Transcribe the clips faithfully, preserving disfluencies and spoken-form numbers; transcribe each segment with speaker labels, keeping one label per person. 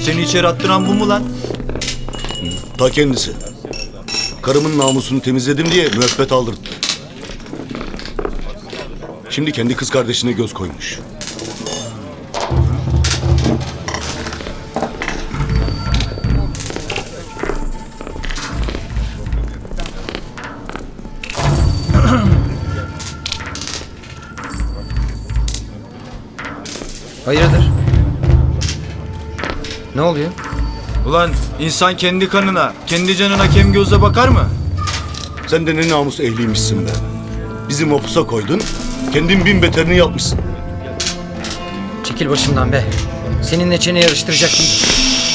Speaker 1: Seni içeri attıran bu mu lan?
Speaker 2: Ta kendisi. Karımın namusunu temizledim diye müebbet aldırttı. Şimdi kendi kız kardeşine göz koymuş.
Speaker 3: Hayırdır? Ne oluyor?
Speaker 1: Ulan insan kendi kanına, kendi canına kem gözle bakar mı?
Speaker 2: Sen de ne namus ehliymişsin be. Bizi mapusa koydun, kendin bin beterini yapmışsın.
Speaker 3: Çekil başımdan be. Seninle çene yarıştıracak değil.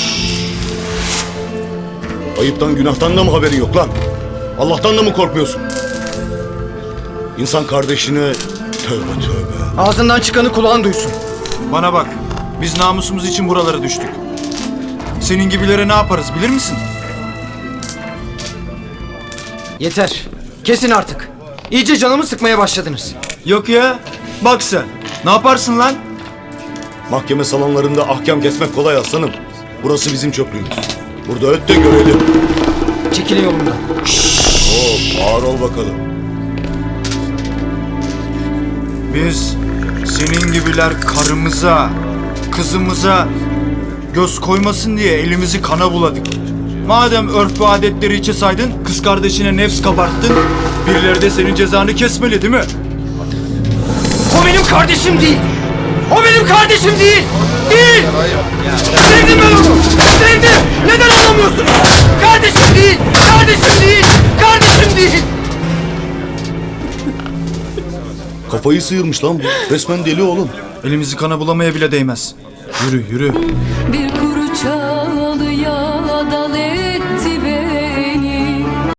Speaker 2: Ayıptan günahtan da mı haberin yok lan? Allah'tan da mı korkmuyorsun? İnsan kardeşine tövbe tövbe.
Speaker 3: Ağzından çıkanı kulağın duysun.
Speaker 1: Bana bak, biz namusumuz için buralara düştük. Senin gibilere ne yaparız bilir misin?
Speaker 3: Yeter. Kesin artık. İyice canımı sıkmaya başladınız.
Speaker 1: Yok ya, bak sen. Ne yaparsın lan?
Speaker 2: Mahkeme salonlarında ahkam kesmek kolay aslanım. Burası bizim çöplüğümüz. Burada öt de görelim.
Speaker 3: Çekilin yolumdan.
Speaker 2: Hop, ağır ol bakalım.
Speaker 1: Biz senin gibiler karımıza, kızımıza göz koymasın diye elimizi kana buladık. Madem örf ve adetleri içe saydın, kız kardeşine nefs kabarttın, birileri de senin cezanı kesmeli değil mi?
Speaker 3: O benim kardeşim değil. O benim kardeşim değil. Değil. Sevdim ben onu. Sevdim. Neden anlamıyorsun? Kardeşim değil. Kardeşim değil. Kardeşim değil.
Speaker 2: Kafayı sıyırmış lan bu. Resmen deli oğlum.
Speaker 1: Elimizi kana bulamaya bile değmez. Yürü, yürü.
Speaker 4: Bir kuru çay